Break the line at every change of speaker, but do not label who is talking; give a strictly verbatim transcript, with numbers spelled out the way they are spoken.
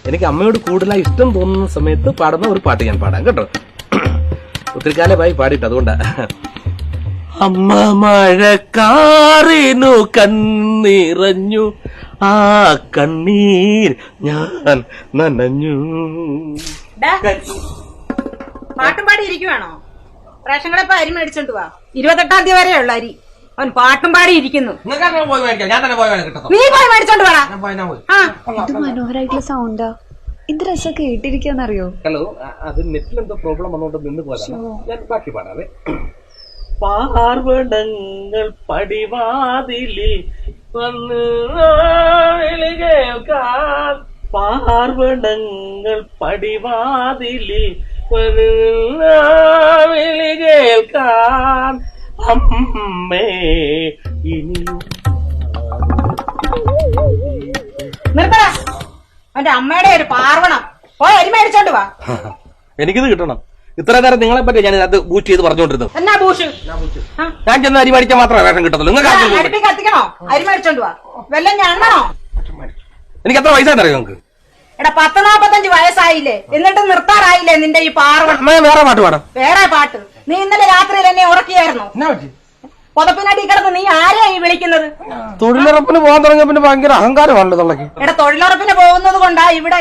എനിക്ക് അമ്മയോട് കൂടുതലായി ഇഷ്ടം തോന്നുന്ന സമയത്ത് പാടുന്ന ഒരു പാട്ട് ഞാൻ പാടാം കേട്ടോ. ഒത്തിരി കാലമായി പാടിയിട്ട് അതുകൊണ്ടാ. അമ്മ മഴക്കാറിനു കണ്ണിറഞ്ഞു, ആ കണ്ണീർ ഞാൻ നനഞ്ഞു.
പാട്ടും പാടി ഇരിക്കുവാണോ? റേഷൻ കട അരി മേടിച്ചോണ്ട് വാ. ഇരുപത്തെട്ടാം തീയതി വരെ ഉള്ള അരി. അവൻ പാട്ടും പാടി ഇരിക്കുന്നു. നീ പോയി മേടിച്ചോണ്ട് വേണം.
ഇത് മനോഹരായിട്ടുള്ള സൗണ്ടാ. എന്ത് രസം കേട്ടിരിക്കാന്നറിയോ?
ഹലോ, അത് നെറ്റിൽ എന്തോ പ്രോബ്ലം വന്നോണ്ട് നിന്ന് പോയതാണ്. ഞാൻ ബാക്കി പാടാവേ. പാർവണങ്ങൾ പടിവാതിലിൽ വന്ന് കേൾക്കാൻ, പാർവണങ്ങൾ പടിവാതിലിൽ വിളി കേൾക്കാൻ അമ്മേ ഇനിയും.
നിർത്തടാ, അവന്റെ അമ്മയുടെ ഒരു പാർവണം. പോയി അരി മേടിച്ചോണ്ട് വാ.
എനിക്കിത് കിട്ടണം. ഇത്ര നേരം നിങ്ങളെ പറ്റി ഞാൻ അത് ബൂസ്റ്റ് ചെയ്ത് പറഞ്ഞോണ്ടിരുന്നു.
എന്നാ ബൂഷ്?
ഞാൻ ചെന്ന് അരി മേടിക്കാൻ മാത്രമേ വേഷം കിട്ടത്തുള്ളൂ. നിങ്ങൾക്ക്
അടുപ്പി കത്തിക്കണോ? അരി മേടിച്ചോണ്ട് വാ. വെല്ലം ഞണ്ണണോ?
എനിക്ക് എത്ര വയസ്സായിട്ട് അറിയോ നിങ്ങൾക്ക്?
എടാ, പത്ത് നാപ്പത്തഞ്ച് വയസ്സായില്ലേ, എന്നിട്ട് നിർത്താറായില്ലേ നിന്റെ ഈ പാർവണം?
വേറെ പാട്ട് പാടാം.
വേറെ പാട്ട്? നീ ഇന്നലെ രാത്രിയിൽ എന്നെ ഉറക്കിയായിരുന്നു. പുതപ്പിനടി കിടന്ന് നീ ആരെയാ ഈ വിളിക്കുന്നത്?
തൊഴിലുറപ്പിന് പോകാൻ തുടങ്ങിയ പിന്നെ ഭയങ്കര അഹങ്കാരമാണല്ലോ തള്ളക്ക്.
എടാ, തൊഴിലുറപ്പിന് പോകുന്നത് കൊണ്ടാ ഇവിടെ